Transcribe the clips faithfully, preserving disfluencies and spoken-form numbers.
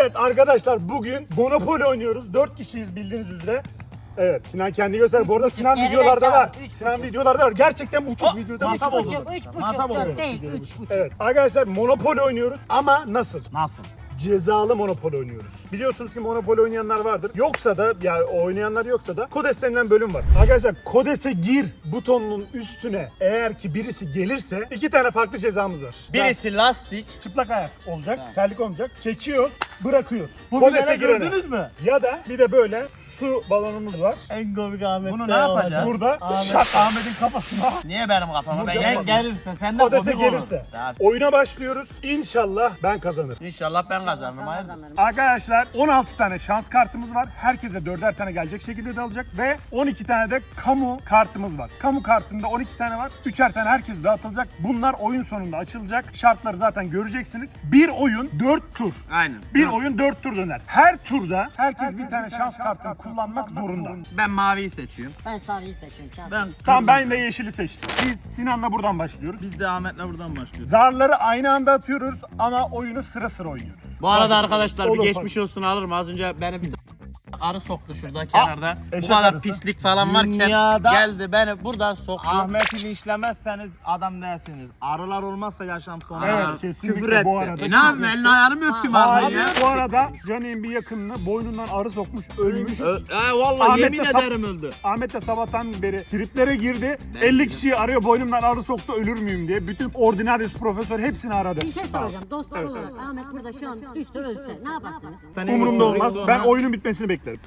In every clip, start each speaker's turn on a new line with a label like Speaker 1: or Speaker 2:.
Speaker 1: Evet arkadaşlar bugün Monopoly oynuyoruz. dört kişiyiz bildiğiniz üzere. Evet Sinan kendi göster. Bu arada Sinan
Speaker 2: geride
Speaker 1: videolarda
Speaker 2: kal,
Speaker 1: var.
Speaker 2: üç
Speaker 1: Sinan
Speaker 2: buçuk.
Speaker 1: videolarda var. Gerçekten bu çok videoda
Speaker 2: Üç
Speaker 1: var.
Speaker 2: buçuk, üç buçuk, dört değil, üç buçuk.
Speaker 1: Evet arkadaşlar Monopoly oynuyoruz ama nasıl?
Speaker 3: Nasıl?
Speaker 1: Cezalı Monopoly oynuyoruz. Biliyorsunuz ki Monopoly oynayanlar vardır. Yoksa da yani oynayanlar yoksa da Kodes denilen bölüm var. Arkadaşlar Kodes'e gir butonunun üstüne eğer ki birisi gelirse iki tane farklı cezamız var.
Speaker 3: Birisi lastik.
Speaker 1: Çıplak ayak olacak, tamam. Terlik olmayacak. Çekiyoruz, bırakıyoruz.
Speaker 3: Bu
Speaker 1: Kodes'e
Speaker 3: videoyu
Speaker 1: girene.
Speaker 3: gördünüz mü?
Speaker 1: Ya da bir de böyle su balonumuz var.
Speaker 3: En komik Ahmet.
Speaker 4: Bunu ne yapacağız?
Speaker 1: Burada
Speaker 3: Ahmet.
Speaker 1: şak Ahmet'in kafasına.
Speaker 3: Niye benim kafama? Ben
Speaker 1: Burada-
Speaker 3: gel, gelirse sen de
Speaker 1: Kodes'e
Speaker 3: komik olur.
Speaker 1: gelirse.
Speaker 3: Tamam.
Speaker 1: Oyuna başlıyoruz. İnşallah ben kazanırım.
Speaker 3: İnşallah ben kazanırım. Hayır.
Speaker 1: Arkadaşlar on altı tane şans kartımız var. Herkese dörder tane gelecek şekilde dağılacak ve on iki tane de kamu kartımız var. Kamu kartında on iki tane var. üçer tane herkese dağıtılacak. Bunlar oyun sonunda açılacak. Şartları zaten göreceksiniz. Bir oyun dört tur.
Speaker 3: Aynen.
Speaker 1: Bir oyun dört tur döner. Her turda herkes bir tane şans kartını kullanmak zorunda.
Speaker 3: Ben maviyi seçiyorum.
Speaker 2: Ben sarıyı seçiyorum. şans.
Speaker 3: Ben
Speaker 1: Tamam ben de yeşili seçtim. Biz Sinan'la buradan başlıyoruz.
Speaker 3: Biz de Ahmet'le buradan başlıyoruz.
Speaker 1: Zarları aynı anda atıyoruz ama oyunu sıra sıra oynuyoruz.
Speaker 3: Bu arada arkadaşlar bir
Speaker 1: Olur,
Speaker 3: geçmiş olsun alırım. Az önce beni bir arı soktu şurada kenarda. Bu
Speaker 1: eşek
Speaker 3: kadar
Speaker 1: arısı.
Speaker 3: pislik falan varken
Speaker 4: Dünyada-
Speaker 3: geldi beni buradan soktu.
Speaker 4: Ahmet'i linçlemezseniz adam değilsiniz. Arılar olmazsa yaşam sonu.
Speaker 1: Evet
Speaker 3: Aa,
Speaker 1: kesinlikle
Speaker 4: küfür
Speaker 1: bu
Speaker 4: etti.
Speaker 1: arada.
Speaker 3: E ne yapayım elini ayağını mı öpeyim abi
Speaker 1: Hayır,
Speaker 3: ya?
Speaker 1: bu arada Canik'in bir yakınını boynundan arı sokmuş, ölmüş.
Speaker 3: Ö- E vallahi
Speaker 1: Ahmet
Speaker 3: yemin
Speaker 1: de sap-
Speaker 3: ederim öldü.
Speaker 1: Ahmet de sabahtan beri triplere girdi. elli kişiyi arıyor boynumdan arı soktu ölür müyüm diye. Bütün ordinaryus profesör hepsini aradı.
Speaker 2: Bir şey soracağım. Dostlar olarak Ahmet burada şu an düşse ölse ne yaparsınız?
Speaker 1: Umurumda olmaz. Ben oyunun bitmesini beklerim.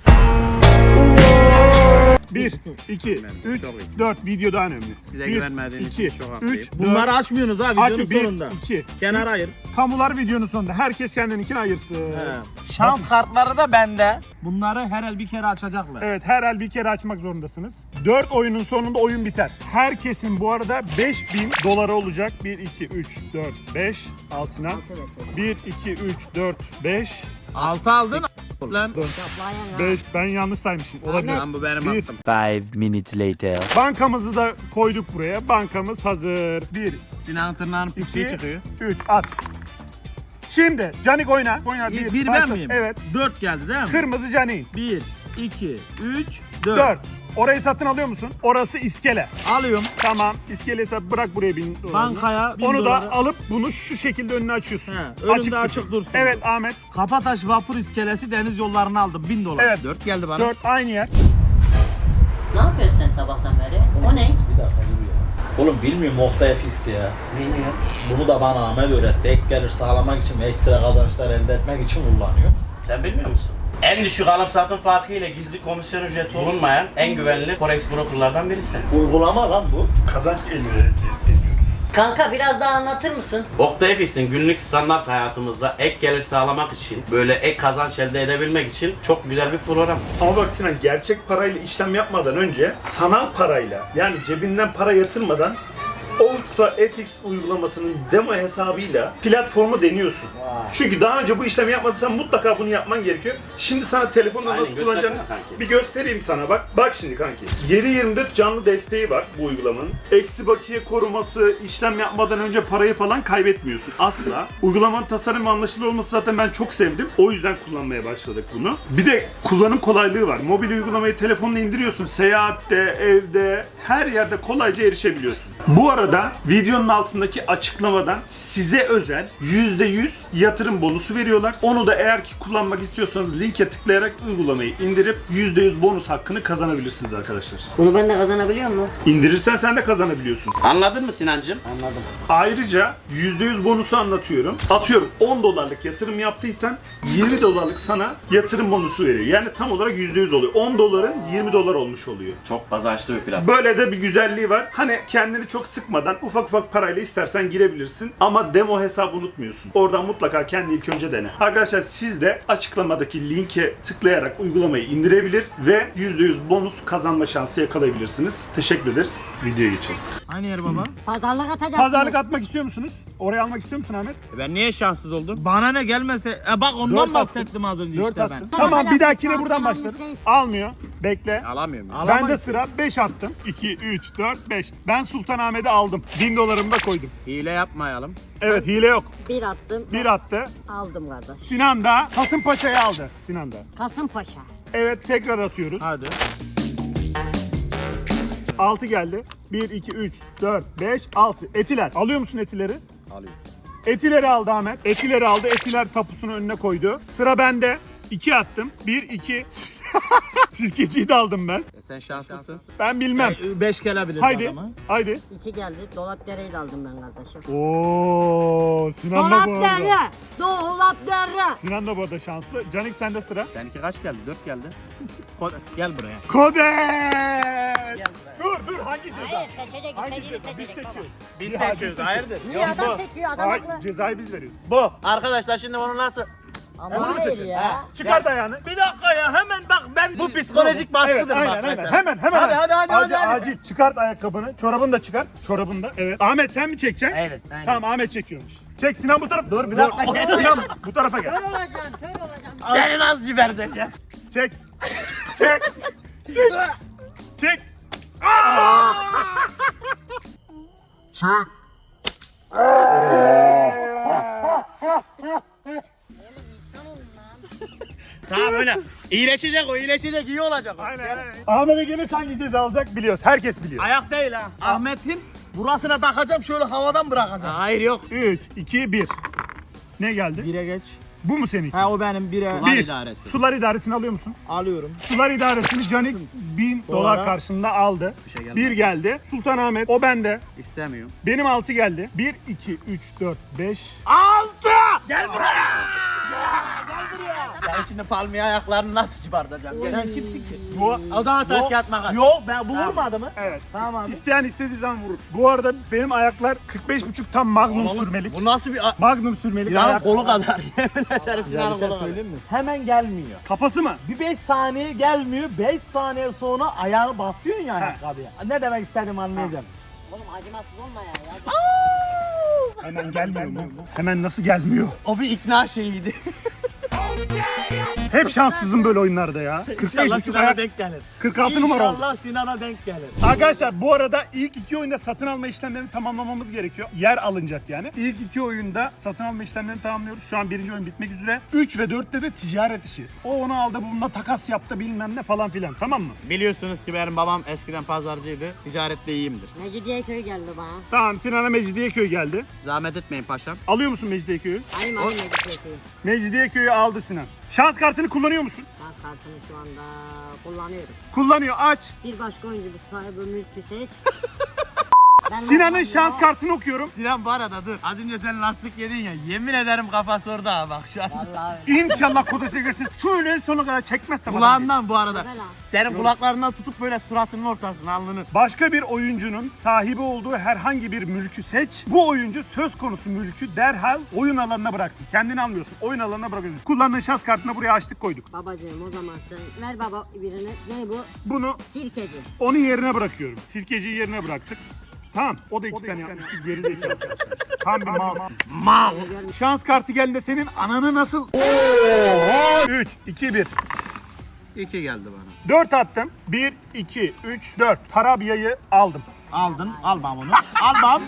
Speaker 1: bir, iki, üç, dört. Video daha önemli.
Speaker 3: Size
Speaker 1: bir,
Speaker 3: güvenmediğim
Speaker 1: iki,
Speaker 3: için çok haklıyım.
Speaker 1: üç,
Speaker 4: Bunları
Speaker 1: dört.
Speaker 4: açmıyorsunuz ha videonun
Speaker 1: Açın. bir,
Speaker 4: sonunda.
Speaker 1: iki.
Speaker 4: Kenar ayır.
Speaker 1: Kamular videonun sonunda. Herkes kendininkini ayırsın.
Speaker 4: Şans kartları da bende. Bunları her el bir kere açacaklar.
Speaker 1: Evet her el bir kere açmak zorundasınız. dört oyunun sonunda oyun biter. Herkesin bu arada beş bin doları olacak. bir, iki, üç, dört, beş. Al Sinan. bir, iki, üç, dört, beş.
Speaker 4: Altı aldın lan.
Speaker 2: Toplayan ya.
Speaker 1: beş. Ben yanlış saymışım. Olabilir.
Speaker 3: Lan bu benim
Speaker 1: Bir.
Speaker 3: hakkım.
Speaker 5: Five minutes later.
Speaker 1: Bankamızı da koyduk buraya. Bankamız hazır. bir,
Speaker 3: Sinan'ın tırnağının pisliği
Speaker 1: iki,
Speaker 3: çıkıyor.
Speaker 1: üç. At. Şimdi Canik oyna. Oyna
Speaker 4: Bir,
Speaker 1: bir.
Speaker 4: bir ben
Speaker 1: başlasın.
Speaker 4: miyim?
Speaker 1: Evet.
Speaker 4: Dört geldi değil mi?
Speaker 1: Kırmızı Canik.
Speaker 4: Bir, iki, üç, dört.
Speaker 1: dört. Orayı satın alıyor musun? Orası iskele.
Speaker 4: Alıyorum.
Speaker 1: Tamam. İskeleyi sat, bırak buraya bin dolarını.
Speaker 4: Bankaya bin
Speaker 1: Onu
Speaker 4: doları.
Speaker 1: da alıp bunu şu şekilde önüne açıyorsun.
Speaker 4: He, önümde açık dursun.
Speaker 1: Evet Ahmet.
Speaker 4: Kapataş vapur iskelesi deniz yollarını aldım. Bin dolar.
Speaker 1: Evet.
Speaker 3: Dört geldi bana.
Speaker 1: dört aynı yer.
Speaker 2: Ne yapıyorsun sen sabahtan beri? O ne?
Speaker 6: Bir dakika dur ya. Oğlum bilmiyorum Oktay Fix ya.
Speaker 2: Bilmiyorum.
Speaker 6: Bunu da bana Ahmet öğretti. Ek gelir sağlamak için ve ekstra kazançlar elde etmek için kullanıyor.
Speaker 7: Sen bilmiyor musun? En düşük alım satım farkı ile gizli komisyon ücreti olunmayan en güvenilir forex brokerlardan birisi.
Speaker 6: Uygulama lan bu.
Speaker 1: Kazanç elde ediyoruz.
Speaker 2: Kanka biraz daha anlatır mısın?
Speaker 7: Oktay Fix'in günlük standart hayatımızda ek gelir sağlamak için, böyle ek kazanç elde edebilmek için çok güzel bir program.
Speaker 1: Ama bak Sinan gerçek parayla işlem yapmadan önce sanal parayla yani cebinden para yatırmadan Okta F X uygulamasının demo hesabıyla platformu deniyorsun. Çünkü daha önce bu işlemi yapmadıysan mutlaka bunu yapman gerekiyor. Şimdi sana telefonda
Speaker 7: Aynen,
Speaker 1: nasıl kullanacağını
Speaker 7: göstersene kanki.
Speaker 1: bir göstereyim sana bak. Bak şimdi kanki. yedi yirmi dört canlı desteği var bu uygulamanın. Eksi bakiye koruması, işlem yapmadan önce parayı falan kaybetmiyorsun asla. Uygulamanın tasarım ve anlaşılır olması zaten ben çok sevdim. O yüzden kullanmaya başladık bunu. Bir de kullanım kolaylığı var. Mobil uygulamayı telefonla indiriyorsun. Seyahatte, evde, her yerde kolayca erişebiliyorsun. Bu arada videonun altındaki açıklamadan size özel yüzde yüz yatırım bonusu veriyorlar. Onu da eğer ki kullanmak istiyorsanız linke tıklayarak uygulamayı indirip yüzde yüz bonus hakkını kazanabilirsiniz arkadaşlar.
Speaker 2: Bunu ben de kazanabiliyor muyum?
Speaker 1: İndirirsen sen de kazanabiliyorsun.
Speaker 7: Anladın mı Sinancığım?
Speaker 2: Anladım.
Speaker 1: Ayrıca yüzde yüz bonusu anlatıyorum. Atıyorum on dolarlık yatırım yaptıysan yirmi dolarlık sana yatırım bonusu veriyor. Yani tam olarak yüzde yüz oluyor. on doların yirmi dolar olmuş oluyor.
Speaker 7: Çok kazançlı bir platform.
Speaker 1: Böyle de bir güzelliği var. Hani kendini çok sıkmadan ufak ufak parayla istersen girebilirsin. Ama demo hesabı unutmuyorsun. Oradan mutlaka kendi ilk önce dene. Arkadaşlar siz de açıklamadaki linke tıklayarak uygulamayı indirebilir ve yüzde yüz bonus kazanma şansı yakalayabilirsiniz. Teşekkür ederiz. Videoya geçeriz.
Speaker 4: Aynı yer baba.
Speaker 2: Pazarlık atacaksınız.
Speaker 1: Pazarlık atmak istiyor musunuz? Oraya almak istiyor musun Ahmet?
Speaker 3: E Ben niye şanssız oldum?
Speaker 4: Bana ne gelmese. E bak
Speaker 1: Dört
Speaker 4: ondan
Speaker 1: attım.
Speaker 4: bahsettim az önce
Speaker 1: Dört
Speaker 4: işte
Speaker 1: attım.
Speaker 4: ben.
Speaker 1: Tamam bir
Speaker 2: Hala
Speaker 1: dahakine
Speaker 2: şans
Speaker 1: buradan
Speaker 2: almış
Speaker 1: başlarız.
Speaker 2: değil.
Speaker 1: Almıyor. Bekle.
Speaker 3: Alamıyorum. ya.
Speaker 1: Bende
Speaker 4: Alamayız.
Speaker 1: sıra beş attım. iki, üç, dört, beş. Ben Sultanahmet'i aldım. bin dolarımı da koydum.
Speaker 3: Hile yapmayalım.
Speaker 1: Evet hile yok.
Speaker 2: Bir attım.
Speaker 1: Bir attı.
Speaker 2: Aldım kardeş.
Speaker 1: Sinan da Kasımpaşa'yı aldı. Sinan da.
Speaker 2: Kasımpaşa.
Speaker 1: Evet tekrar atıyoruz.
Speaker 4: Hadi.
Speaker 1: altı geldi. bir, iki, üç, dört, beş, altı. Etiler. Alıyor musun etileri?
Speaker 3: Alayım.
Speaker 1: Etileri aldı Ahmet. Etileri aldı. Etiler tapusunu önüne koydu. Sıra bende. iki attım. bir, iki. Sirkeciyi de aldım ben.
Speaker 3: E sen şanslısın.
Speaker 1: Ben bilmem.
Speaker 4: Beş gelebilir
Speaker 1: Haydi.
Speaker 4: adamı.
Speaker 1: Haydi.
Speaker 2: İki geldi. Dolapdere'yi de aldım ben kardeşim.
Speaker 1: Oo, Sinan da bu arada.
Speaker 2: Dolapdere. Dolapdere.
Speaker 1: Sinan da bu arada şanslı. Canik sende sıra.
Speaker 3: Seninki kaç geldi? Dört geldi. Ko- Gel buraya.
Speaker 1: Kodes! Dur dur hangi ceza?
Speaker 2: Hayır seçecek
Speaker 1: Hangi
Speaker 2: istediğini
Speaker 1: ceza? Biz
Speaker 2: seçecek baba.
Speaker 1: seçiyoruz.
Speaker 3: Biz
Speaker 1: Ya,
Speaker 3: seçiyoruz,
Speaker 1: biz
Speaker 3: hayırdır?
Speaker 2: Niye adam seçiyor adam
Speaker 1: Hayır,
Speaker 2: haklı.
Speaker 1: cezayı biz veriyoruz.
Speaker 3: Bu. Arkadaşlar şimdi bunu nasıl...
Speaker 2: Ama
Speaker 1: Bunu
Speaker 2: hayır
Speaker 1: seçin.
Speaker 2: ya.
Speaker 1: Çıkart ayağını.
Speaker 4: Bir dakika ya hemen bak ben
Speaker 3: Bu psikolojik baskıdır
Speaker 1: Evet,
Speaker 3: bak
Speaker 1: aynen, aynen.
Speaker 3: mesela.
Speaker 1: Hemen, hemen.
Speaker 3: Hadi, hadi, hadi,
Speaker 1: acil,
Speaker 3: hadi, hadi.
Speaker 1: acil. Çıkart ayakkabını. Çorabını da çıkart. Çorabını da. Evet. Ahmet sen mi çekeceksin?
Speaker 3: Evet, aynen.
Speaker 1: Tamam Ahmet çekiyormuş. Çek Sinan bu tarafa. Dur bir dakika. Gel Sinan bu tarafa gel.
Speaker 2: Kör olacaksın, kör olacaksın.
Speaker 3: Senin az ciberdeceğim.
Speaker 1: Çek. Çek. Çek. Çek.
Speaker 3: Tamam öyle. İyileşecek o, iyileşecek, iyi olacak o.
Speaker 1: Aynen aynen. Ahmet'e gelirse hangi ceza alacak biliyoruz. Herkes biliyor.
Speaker 4: Ayak değil ha. Ahmet'in burasına takacağım şöyle havadan bırakacağım.
Speaker 3: Hayır yok.
Speaker 1: üç, iki, bir. Ne geldi?
Speaker 4: Bire geç.
Speaker 1: Bu mu senin?
Speaker 4: Ha o benim bire.
Speaker 3: Sular
Speaker 1: Bir.
Speaker 3: idaresi.
Speaker 1: Sular idaresini alıyor musun?
Speaker 4: Alıyorum.
Speaker 1: Sular idaresini Canik bin dolar karşılığında aldı.
Speaker 3: Bir şey gelmedi.
Speaker 1: Bir geldi. Sultanahmet o bende.
Speaker 3: İstemiyorum.
Speaker 1: Benim altı geldi. bir, iki, üç, dört, beş.
Speaker 3: Altı! Gel buraya! Gel buraya! Sen şimdi palmiye ayaklarını nasıl çıbartacaksın? Gel.
Speaker 4: Sen kimsin ki?
Speaker 1: Bu
Speaker 3: O zaman taş kağıt makas.
Speaker 4: Yok ben bu vurmadı mı?
Speaker 1: evet.
Speaker 4: Tamam abi.
Speaker 1: İsteyen istediği zaman vurur. Bu arada benim ayaklar kırk beş buçuk tam magnum sürmelik.
Speaker 3: Bu nasıl bir... a-
Speaker 1: Magnum sürmelik
Speaker 3: Sinan'ın
Speaker 1: ayak.
Speaker 3: kolu kadar. Yemin ederim
Speaker 4: Bir
Speaker 3: Sinan'ın
Speaker 4: şey
Speaker 3: kolu kadar.
Speaker 4: söyleyeyim mi? Hemen gelmiyor.
Speaker 1: Kafası mı?
Speaker 4: Bir beş saniye gelmiyor. beş saniye sonra ayağını basıyorsun ya ayakkabıya. Ne demek istediğimi anlayacağım.
Speaker 2: Oğlum acımasız olma ya. ya.
Speaker 1: Hemen gelmiyor mu? Hemen nasıl gelmiyor?
Speaker 3: O bir ikna şeyiydi.
Speaker 1: Hep şanssızım böyle oyunlarda ya. kırk beş
Speaker 4: İnşallah
Speaker 1: buçuk
Speaker 4: Sinan'a
Speaker 1: ayak.
Speaker 4: denk gelir.
Speaker 1: kırk altı numara oldu.
Speaker 4: İnşallah Sinan'a denk gelir.
Speaker 1: Arkadaşlar bu arada ilk iki oyunda satın alma işlemlerini tamamlamamız gerekiyor. Yer alınacak yani. İlk iki oyunda satın alma işlemlerini tamamlıyoruz. Şu an birinci oyun bitmek üzere. üç ve dörtte de ticaret işi. O onu aldı, bununla takas yaptı bilmem ne falan filan. Tamam mı?
Speaker 3: Biliyorsunuz ki benim babam eskiden pazarcıydı. Ticarette iyiyimdir.
Speaker 2: Mecidiyeköy geldi bana.
Speaker 1: Tamam, Sinan'a Mecidiyeköy geldi.
Speaker 3: Zahmet etmeyin paşam.
Speaker 1: Alıyor musun Mecidiyeköy'ü?
Speaker 2: Alayım alayım Mecidiyeköy'ü.
Speaker 1: Mecidiyeköy'ü aldı Sinan. Şans kartını kullanıyor musun?
Speaker 2: Şans kartını şu anda kullanıyorum.
Speaker 1: Kullanıyor. Aç.
Speaker 2: Bir başka oyuncu bir sahibi mülkü seç. Ben
Speaker 1: Sinan'ın
Speaker 2: olmam
Speaker 1: şans
Speaker 2: ya.
Speaker 1: kartını okuyorum.
Speaker 3: Sinan bu arada dur. Az önce sen lastik yedin ya. Yemin ederim kafası orada ha bak şu an.
Speaker 2: Vallahi öyle.
Speaker 1: İnşallah kodese girsin. Şöyle sonuna kadar çekmezsem adam değil.
Speaker 3: Kulağından bu arada.
Speaker 2: Güzel ha.
Speaker 3: Senin kulaklarından tutup böyle suratının ortasına alnını.
Speaker 1: Başka bir oyuncunun sahibi olduğu herhangi bir mülkü seç. Bu oyuncu söz konusu mülkü derhal oyun alanına bıraksın. Kendini almıyorsun. Oyun alanına bırakıyorsun. Kullandığın şans kartını buraya açtık koyduk.
Speaker 2: Babacığım o zaman sen ver baba birini. Ne bu?
Speaker 1: Bunu
Speaker 2: Sirkeci.
Speaker 1: onun yerine bırakıyorum. Sirkeciyi yerine bıraktık. Tamam. O da iki tane yapmıştı. Geri zekalı. Tam bir malsın.
Speaker 3: Mal.
Speaker 1: Şans kartı geldiğinde senin ananı nasıl... üç, iki, bir.
Speaker 3: İki geldi bana.
Speaker 1: dört attım. bir, iki, üç, dört. Tarabya'yı aldım.
Speaker 4: Aldın. Almam onu. Almam.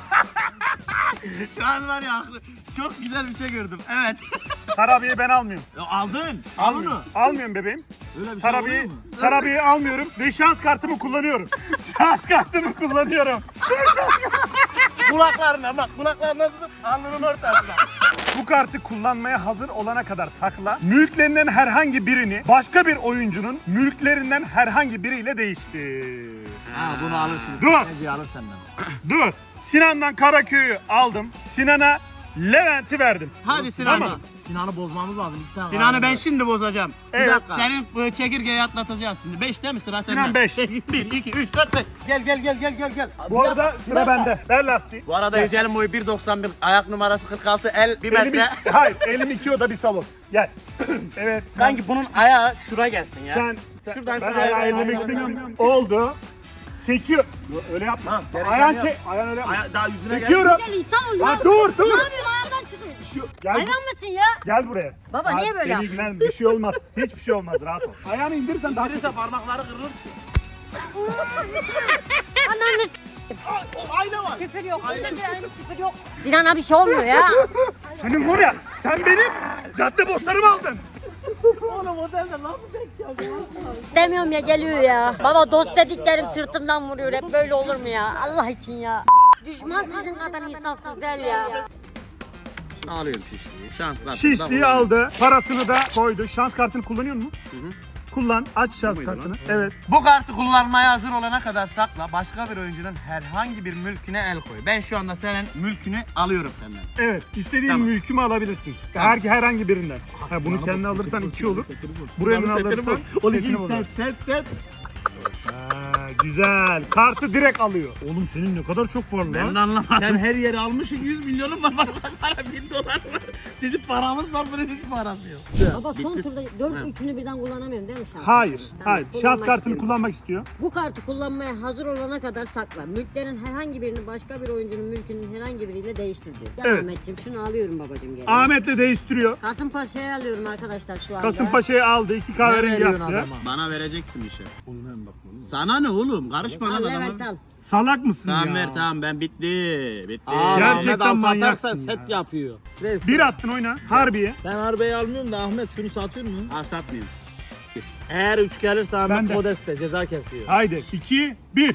Speaker 3: Şu an var ya çok güzel bir şey gördüm. Evet.
Speaker 1: Tarabya'yı ben almıyorum.
Speaker 4: Ya aldın. Al onu.
Speaker 1: Almıyorum. Almıyorum bebeğim.
Speaker 4: Öyle bir şey
Speaker 1: Tarabya'yı,
Speaker 4: oluyor mu?
Speaker 1: Tarabya'yı almıyorum ve şans kartımı kullanıyorum. Şans kartımı kullanıyorum.
Speaker 3: Kulaklarına bak kulaklarına tutup alnının ortasına.
Speaker 1: Bu kartı kullanmaya hazır olana kadar sakla. Mülklerinden herhangi birini başka bir oyuncunun mülklerinden herhangi biriyle değiştir.
Speaker 4: Ha bunu alırsınız.
Speaker 1: Dur.
Speaker 4: Neci alır senden.
Speaker 1: Dur. Sinan'dan Karaköy'ü aldım. Sinan'a Levent'i verdim.
Speaker 3: Hadi Sinan.
Speaker 1: Tamam.
Speaker 4: Sinan'ı bozmamız lazım. İki tane
Speaker 3: Sinan'ı
Speaker 4: var.
Speaker 3: ben şimdi bozacağım.
Speaker 1: Evet.
Speaker 3: Bir dakika. Senin bu çekirgeyi atlatacağız şimdi. beşte mi sıra sende?
Speaker 1: Sinan beş.
Speaker 3: bir, iki, üç, dört, beş. Gel gel gel gel gel gel.
Speaker 1: Bu arada sıra bende. Ver lastiği.
Speaker 3: Bu arada Yücel'in boyu bir doksan bir, ayak numarası kırk altı, el bir
Speaker 1: Elim,
Speaker 3: metre.
Speaker 1: hayır, elim iki oda bir salon. Gel. Evet. Sen,
Speaker 3: Sanki bunun ayağı şura gelsin ya.
Speaker 1: sen,
Speaker 3: Şuradan
Speaker 1: ben
Speaker 3: şuraya.
Speaker 1: ayağı ellemek istemiyorum. Oldu. Çekiyor. Öyle yapma.
Speaker 3: Tamam, gereken
Speaker 1: Ayağın
Speaker 3: yok.
Speaker 1: çek. Ayağın öyle yapma.
Speaker 3: Aya- daha yüzüne
Speaker 1: Çekiyorum.
Speaker 2: Gel insan ol
Speaker 1: Lan
Speaker 2: ya.
Speaker 1: dur
Speaker 2: Ne
Speaker 1: dur.
Speaker 2: yapıyorsun ayağımdan çıkıyor.
Speaker 1: Şu, gel,
Speaker 2: Hayvan mısın ya?
Speaker 1: gel buraya.
Speaker 2: Baba, niye böyle
Speaker 1: seni
Speaker 2: yaptın?
Speaker 1: ilgilenme, bir şey olmaz. Hiçbir şey olmaz, rahat ol. Ayağını indirirsen daha
Speaker 3: Verirse parmakları kırılır.
Speaker 2: Ananı s***.
Speaker 3: O ayna var.
Speaker 2: Küfür yok. Bunda bir aylık küfür yok. Sinan'a bir şey olmuyor ya.
Speaker 1: Senin var ya, sen benim cadde bostanımı aldın.
Speaker 4: Oğlum otelde nasıl denk geldi?
Speaker 2: Demiyorum ya, geliyor ya. Baba dost dediklerim sırtımdan vuruyor. Hep böyle olur mu ya? Allah için ya. Düşman sizin kadar insafsız değil ya.
Speaker 7: Alıyorum şişliği. Şans kartını da
Speaker 1: Şişliği
Speaker 7: kullanıyorum.
Speaker 1: aldı, parasını da koydu. Şans kartını kullanıyor musun? Kullan, aç şans
Speaker 7: muydu
Speaker 1: kartını.
Speaker 7: lan?
Speaker 1: Evet.
Speaker 3: Bu kartı kullanmaya hazır olana kadar sakla. Başka bir oyuncunun herhangi bir mülküne el koy. Ben şu anda senin mülkünü alıyorum senden.
Speaker 1: Evet, istediğin
Speaker 3: Tamam.
Speaker 1: mülkümü alabilirsin. Her, herhangi birinden. Ha, bunu kendine alırsan iki olur. Buraya alırsan setini bozar.
Speaker 3: set set.
Speaker 1: Ha, güzel. Kartı direkt alıyor. Oğlum senin ne kadar çok var
Speaker 3: Ben
Speaker 1: lan.
Speaker 3: de anlamadım. Sen her yeri almışsın, yüz milyonun var. Bak para bin dolar var. Bizim paramız var, bunun hiç parası yok.
Speaker 2: Baba son turda dört üçünü birden kullanamıyorum değil mi şans?
Speaker 1: Hayır,
Speaker 2: Tamam,
Speaker 1: hayır. Şans
Speaker 2: kullanmak
Speaker 1: kartını
Speaker 2: istiyorum.
Speaker 1: kullanmak istiyor.
Speaker 2: Bu kartı kullanmaya hazır olana kadar sakla. Mülklerin herhangi birini başka bir oyuncunun mülkünün herhangi biriyle değiştir diyor. Gel
Speaker 1: Evet.
Speaker 2: Ahmetciğim, şunu alıyorum babacığım geri.
Speaker 1: Ahmet'le değiştiriyor.
Speaker 2: Kasımpaşa'yı alıyorum arkadaşlar şu anda.
Speaker 1: Kasımpaşa'yı aldı, iki kahverengi yaptı.
Speaker 3: Bana vereceksin bir şey. Sana ne oğlum? Karışma
Speaker 2: Al
Speaker 3: lan
Speaker 2: Levent
Speaker 3: adama.
Speaker 2: al.
Speaker 1: Salak mısın
Speaker 3: Tamam
Speaker 1: ya?
Speaker 3: ver tamam ben bitti. Bitti.
Speaker 4: Aa,
Speaker 1: Gerçekten
Speaker 4: Ahmet alt
Speaker 1: manyaksın
Speaker 4: atarsa
Speaker 1: ya.
Speaker 4: set yapıyor. Neyse.
Speaker 1: Bir attın oyna, Harbiye.
Speaker 4: Ben arabayı almıyorum da Ahmet şunu satıyor mu?
Speaker 3: Ha satmayayım.
Speaker 4: Eğer üç gelirse
Speaker 1: Ben
Speaker 4: Ahmet
Speaker 1: de.
Speaker 4: Modeste ceza kesiyor.
Speaker 1: Haydi, iki, bir.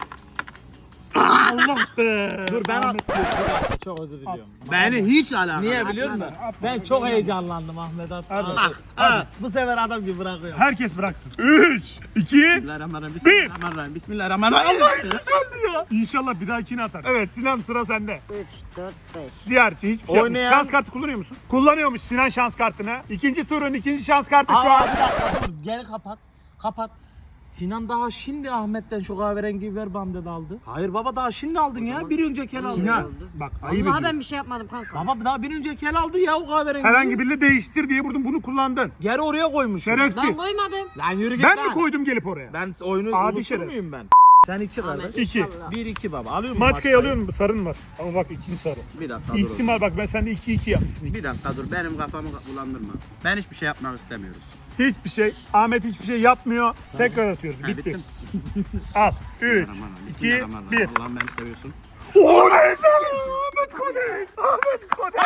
Speaker 1: Allah be.
Speaker 4: Dur ben
Speaker 1: Ahmet.
Speaker 4: çok özür diliyorum.
Speaker 3: Beni hiç alakalı.
Speaker 4: Niye biliyor musun? Ben çok heyecanlandım Ahmet at.
Speaker 1: Hadi.
Speaker 4: Hadi. Hadi. Bu sefer adam gibi bırakıyorum.
Speaker 1: Herkes bıraksın. Üç, iki,
Speaker 3: Bismillahirrahmanirrahim. Bismillahirrahmanirrahim. Bismillahirrahmanirrahim.
Speaker 1: İnşallah bir dahakini atar. Evet Sinan, sıra sende.
Speaker 2: üç, dört, beş.
Speaker 1: Ziyaretçi hiçbir şey yapmıyor.
Speaker 4: Oynayan-
Speaker 1: Şans kartı kullanıyor musun? Kullanıyormuş Sinan şans kartını. İkinci turun ikinci şans kartı şu
Speaker 4: Aa,
Speaker 1: an.
Speaker 4: bir dakika dur geri kapat. Kapat. Sinan daha şimdi Ahmet'ten şu kahverengi ver bana dedi aldı. Hayır baba daha şimdi aldın ya. Bir önceki el aldı.
Speaker 1: Sinan bak ayıp
Speaker 2: Vallahi ben bir
Speaker 1: ediyorsun.
Speaker 2: şey yapmadım kanka.
Speaker 4: Baba daha bir önceki el aldı ya o kahverengi.
Speaker 1: Herhangi biriyle değiştir diye vurdun, bunu kullandın.
Speaker 4: Geri oraya koymuş.
Speaker 2: Ben
Speaker 1: Şerefsiz.
Speaker 2: koymadım.
Speaker 4: Lan yürü git
Speaker 1: Ben
Speaker 4: lan.
Speaker 1: mi koydum gelip oraya?
Speaker 4: Ben oyunu
Speaker 1: Adi
Speaker 4: unutur
Speaker 1: şeref.
Speaker 4: muyum ben? Sen iki
Speaker 2: Ahmet,
Speaker 4: kardeş.
Speaker 1: İki.
Speaker 2: inşallah.
Speaker 4: Bir iki baba. Alıyor musun?
Speaker 1: Maçkayı alıyor musun? Sarın var. Ama bak ikinci sarı.
Speaker 3: Bir dakika dur.
Speaker 1: İhtimal bak, ben sende iki iki yapmışsın.
Speaker 3: Bir dakika dur. Benim kafamı bulandırma. Ben hiçbir şey yapmak istemiyorum.
Speaker 1: Hiçbir şey. Ahmet hiçbir şey yapmıyor. Tekrar atıyoruz.
Speaker 3: Ha,
Speaker 1: Bitti.
Speaker 3: bittim.
Speaker 1: Al. Üç,
Speaker 3: Bismillahirrahmanirrahim.
Speaker 1: iki,
Speaker 3: Bismillahirrahmanirrahim.
Speaker 1: bir.
Speaker 3: Allah'ım beni seviyorsun.
Speaker 1: Oley be! Ahmet Kodes! Ahmet Kodes!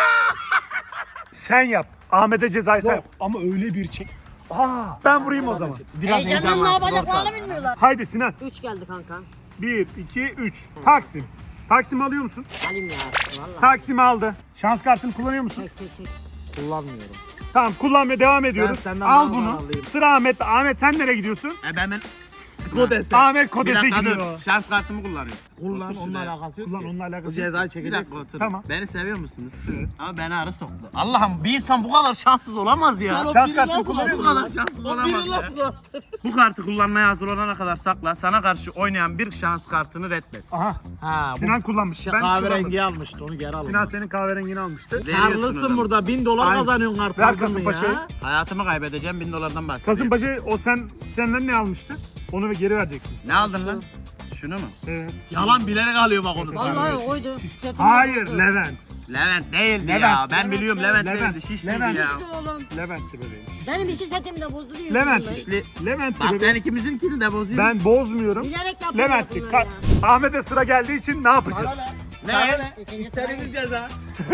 Speaker 1: Sen yap. Ahmet'e cezayı sen yap. Ama öyle bir çek. Aa, ben vurayım o zaman.
Speaker 4: Biraz
Speaker 2: Heyecandan ne
Speaker 4: heyecanlansın
Speaker 2: yapacaklarını
Speaker 4: ortam.
Speaker 2: bilmiyorlar.
Speaker 1: Haydi Sinan.
Speaker 2: üç geldi kanka.
Speaker 1: Bir, iki, üç. Taksim. Taksim alıyor musun?
Speaker 2: Alayım ya. Vallahi.
Speaker 1: Taksim aldı. Şans kartını kullanıyor musun?
Speaker 2: Çek çek çek.
Speaker 4: Kullanmıyorum.
Speaker 1: Tamam, kullanmaya devam ediyoruz.
Speaker 4: senden
Speaker 1: Al
Speaker 4: daha
Speaker 1: bunu.
Speaker 4: alayım.
Speaker 1: Sıra Ahmet'te. Ahmet sen nereye gidiyorsun?
Speaker 3: E ben ben...
Speaker 4: Kodese.
Speaker 1: Ahmet
Speaker 3: Bir
Speaker 1: Kodes'e
Speaker 3: dakika
Speaker 1: gidiyor.
Speaker 3: dur. Şans kartımı kullanıyorum.
Speaker 4: Kullan
Speaker 3: Otur
Speaker 4: onunla
Speaker 3: şuraya.
Speaker 4: alakası yok
Speaker 1: Kullan,
Speaker 4: ki.
Speaker 1: onunla alakası
Speaker 4: Bu
Speaker 1: yok.
Speaker 4: cezayı
Speaker 3: Bir
Speaker 4: çekeceksin.
Speaker 3: dakika otur.
Speaker 1: Tamam.
Speaker 3: Beni seviyor musunuz? Ama beni arı soktu. Allah'ım bir insan bu kadar şanssız olamaz ya.
Speaker 1: Şans kartını kullanıyor
Speaker 3: Bu
Speaker 1: musun?
Speaker 3: kadar şanssız olamaz ya. Bu kartı kullanmaya hazır olana kadar sakla. Sana karşı oynayan bir şans kartını reddet.
Speaker 1: Aha.
Speaker 4: Ha, bu
Speaker 1: Sinan kullanmış. Ben hiç kullanmadım.
Speaker 4: kahverengi almıştı onu geri al.
Speaker 1: Sinan senin kahverengini almıştı.
Speaker 3: Veriyorsun o
Speaker 4: Karlısın
Speaker 3: zaman.
Speaker 4: burada bin dolar
Speaker 1: Aynen.
Speaker 4: kazanıyorsun artık.
Speaker 1: Ver
Speaker 4: farkında mı
Speaker 1: Kasımpaşa'yı.
Speaker 4: ya?
Speaker 3: Hayatımı kaybedeceğim bin dolardan bahsediyorum.
Speaker 1: Kasımpaşa o sen senden ne almıştı? Onu geri vereceksin.
Speaker 3: Ne aldın lan? Şunu mu?
Speaker 1: Evet.
Speaker 4: Yalan bilerek alıyor bak onu.
Speaker 2: Vallahi oydu. Setim
Speaker 1: Hayır,
Speaker 2: yoktu.
Speaker 1: Levent.
Speaker 3: Levent değildi
Speaker 1: Levent.
Speaker 3: ya. Ben
Speaker 2: Levent,
Speaker 3: biliyorum
Speaker 2: Levent.
Speaker 3: Levent,
Speaker 1: Levent.
Speaker 3: değildi. Şişliydi
Speaker 1: Levent.
Speaker 3: ya.
Speaker 2: İşte oğlum.
Speaker 1: Levent'ti bebeğim.
Speaker 2: Benim iki setimi de bozdu diyor.
Speaker 1: Levent.
Speaker 3: Şişli.
Speaker 1: Levent'ti
Speaker 3: Bak sen
Speaker 1: bebeğim.
Speaker 3: ikimizinkini de bozuyorsun.
Speaker 1: Ben bozmuyorum.
Speaker 2: Bilerek yapıyor
Speaker 1: Levent'ti.
Speaker 2: bunları
Speaker 1: Ka-
Speaker 2: ya.
Speaker 1: Ahmet'e sıra geldiği için ne yapacağız?
Speaker 3: Ne?
Speaker 2: İkinci
Speaker 4: İstediğimiz ceza.